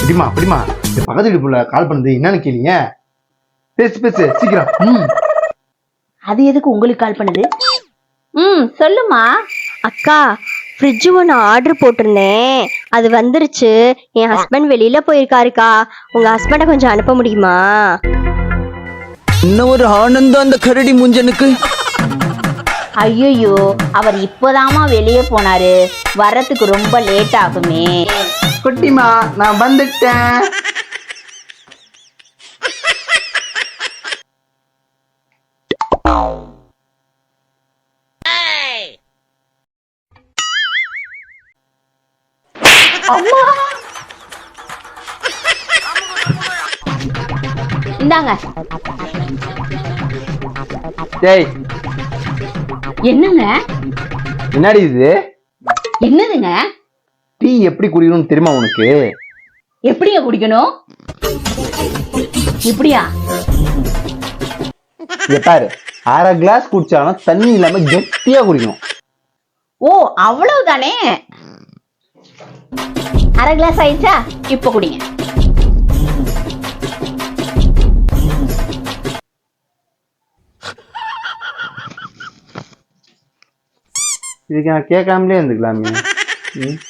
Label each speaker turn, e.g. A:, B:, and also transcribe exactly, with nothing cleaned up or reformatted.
A: அப்படிமா அப்படிமா இந்த பக்கத்து வீட்டு புள்ள கால் பண்ணுது என்னன்னு கேளீங்க. பேசு பேசு சீக்கிரம். ம்
B: அது எதுக்கு உங்களுக்கு கால் பண்ணுது?
C: ம் சொல்லுமா.
D: அக்கா, ஃப்ரிட்ஜ் ஒன்று ஆர்டர் போட்டிருந்தேன், அது வந்துருச்சு. என் ஹஸ்பண்ட் வெளியில போயிருக்காருக்கா. உங்க ஹஸ்பண்டை கொஞ்சம் அனுப்ப முடியுமா?
E: இன்னும் ஒரு ஆனந்தம் அந்த கரடி முஞ்சனுக்கு.
C: ஐயோ, அவர் இப்போதாமா வெளியே போனாரு, வர்றதுக்கு ரொம்ப லேட் ஆகுமே.
A: குட்டிமா நான் வந்துட்டேன்.
C: அம்மா இந்தாங்க.
A: டேய்
C: என்னங்க?
A: என்னடி இது?
C: என்னதுங்க?
A: டீ எப்படி குடிக்கணும்னு தெரியுமா உனக்கு?
C: எப்படிங்க குடிக்கணும்? இப்படியா?
A: இங்க பாரு, அரை கிளாஸ் குடிச்சாலும் தண்ணி இல்லாம கெட்டியா குடிக்கணும்.
C: ஓ அவ்வளவுதானே. அரை கிளாஸ் ஆயிடுச்சா? இப்ப குடிங்க.
A: இதுக்கு நான் கேட்காமலே இருந்துக்கலாமே. ம்